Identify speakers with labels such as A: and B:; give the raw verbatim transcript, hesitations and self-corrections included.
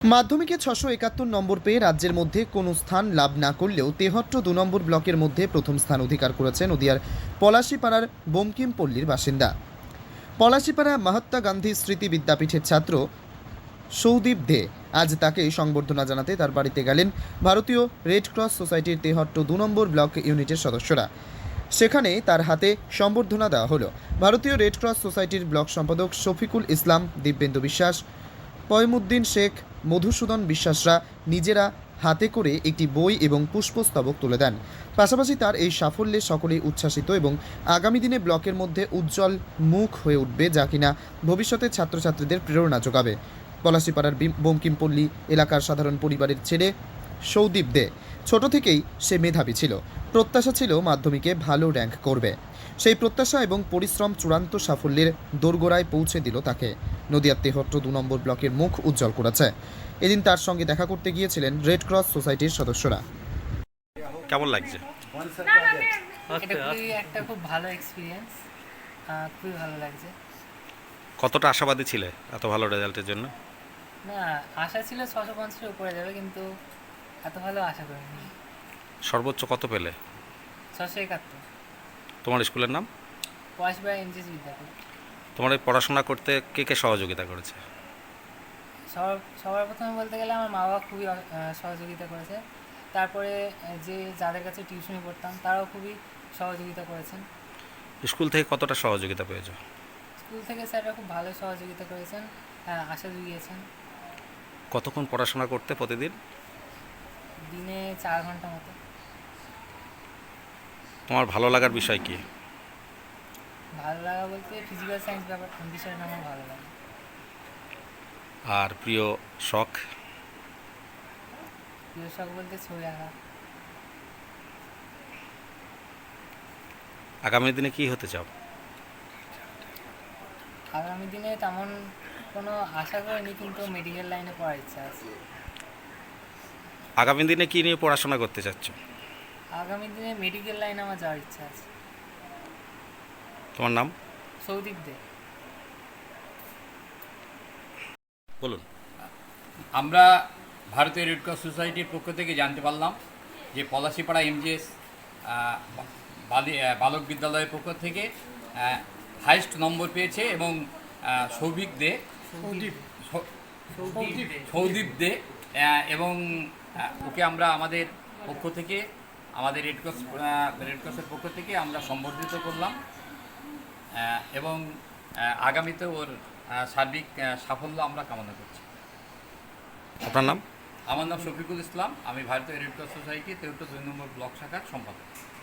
A: মাধ্যমিকে ছশো একাত্তর নম্বর পেয়ে রাজ্যের মধ্যে কোনো স্থান লাভ না করলেও তেহট্ট দু নম্বর ব্লকের মধ্যে প্রথম স্থান অধিকার করেছে নদিয়ার পলাশীপাড়ার বঙ্কিমপল্লীর বাসিন্দা। পলাশীপাড়া মহাত্মা গান্ধী স্মৃতি বিদ্যাপীঠের ছাত্র সৌদীপ দে। আজ তাকে সংবর্ধনা জানাতে তার বাড়িতে গেলেন ভারতীয় রেড ক্রস সোসাইটির তেহট্ট দু নম্বর ব্লক ইউনিটের সদস্যরা। সেখানে তার হাতে সংবর্ধনা দেওয়া হলো। ভারতীয় রেড ক্রস সোসাইটির ব্লক সম্পাদক শফিকুল ইসলাম, দিব্যেন্দু বিশ্বাস, পয়মুদ্দিন শেখ, মধুসূদন বিশ্বাসরা নিজেরা হাতে করে একটি বই এবং পুষ্পস্তবক তুলে দেন। পাশাপাশি তার এই সাফল্যে সকলেই উচ্ছ্বাসিত এবং আগামী দিনে ব্লকের মধ্যে উজ্জ্বল মুখ হয়ে উঠবে, যা কিনা ভবিষ্যতে ছাত্রছাত্রীদের প্রেরণা যোগাবে। পলাশীপাড়ার বঙ্কিমপল্লী এলাকার সাধারণ পরিবারের ছেলে সৌদীপ দে ছোট থেকেই সে মেধাবী ছিল। প্রত্যাশা ছিল মাধ্যমিকে ভালো র্যাঙ্ক করবে। সেই প্রত্যাশা এবং পরিশ্রম চূড়ান্ত সাফল্যের দোরগোড়ায় পৌঁছে দিল তাকে। নদিয়ার তেহট্ট দু নম্বর ব্লকের মুখ উজ্জ্বল করেছে। এদিন তার সঙ্গে দেখা করতে গিয়েছিলেন রেড ক্রস সোসাইটির সদস্যরা।
B: কেমন লাগছে?
C: এটা খুবই একটা খুব ভালো এক্সপিরিয়েন্স, খুবই ভালো লাগছে।
B: কতটা আশাবাদী ছিলে এত ভালো রেজাল্টের জন্য?
C: না, আশা ছিল ছশো পঞ্চাশের উপরে যাবে, কিন্তু এত ভালো আশা করিনি।
B: সর্বোচ্চ কত পেলে?
C: ছশো একাত্তর।
B: তোমার স্কুলের নাম?
C: পলাশীপাড়া এমজিএস বিদ্যাপীঠ।
B: তোমার এই পড়াশোনা করতে কে কে সহযোগিতা করেছে?
C: সবার সবার প্রথমে বলতে গেলে আমার মা বাবা খুবই আহ, সহযোগিতা করেছে। তারপরে আহ, যে যাদের কাছে টিউশনি পড়তাম তারাও খুবই সহযোগিতা করেছেন।
B: স্কুল থেকে কতটা সহযোগিতা পেয়েছো?
C: স্কুল থেকে স্যাররা খুব ভালো সহযোগিতা করেছেন, হ্যাঁ, আশা জুগিয়েছেন।
B: কতক্ষণ পড়াশোনা করতে প্রতিদিন?
C: দিনে চার ঘন্টা মতো।
B: তোমার ভালো লাগার বিষয় কি?
C: ভালো লাগা বলতে ফিজিক্যাল সায়েন্স ব্যাপার বিষয়টা আমার ভালো লাগে।
B: আর প্রিয় শখ?
C: প্রিয় শখ বলতে ছবি আঁকা।
B: আগামী দিনে কি হতে চাও?
C: আগামী দিনে তেমন কোনো আশা করিনি, কিন্তু মেডিকেল লাইনে পড়ার ইচ্ছা আছে।
B: আগামী দিনে কি নিয়ে পড়াশোনা করতে চাচ্ছ?
C: আগামী দিনে মেডিকেল লাইনে আমার যাওয়ার ইচ্ছা আছে।
B: তোমার নাম?
C: সৌদীপ দে।
B: বলুন।
D: আমরা ভারতীয় রেড ক্রস সোসাইটির পক্ষ থেকে জানতে পারলাম যে পলাশীপাড়া এমজিএস বালক বিদ্যালয়ের পক্ষ থেকে হাইস্ট নম্বর পেয়েছে এবং সৌভিক দে সৌদীপ দে এবং ওকে আমরা আমাদের পক্ষ থেকে আমাদের রেড ক্রস রেড ক্রসের পক্ষ থেকে আমরা সম্বর্ধিত করলাম এবং আগামীতে ওর সার্বিক সাফল্য আমরা কামনা করছি।
B: আপনার নাম?
D: আমার নাম শফিকুল ইসলাম, আমি ভারতীয় রেড ক্রস সোসাইটি তেহট্ট দুই নম্বর ব্লক শাখার সম্পাদক।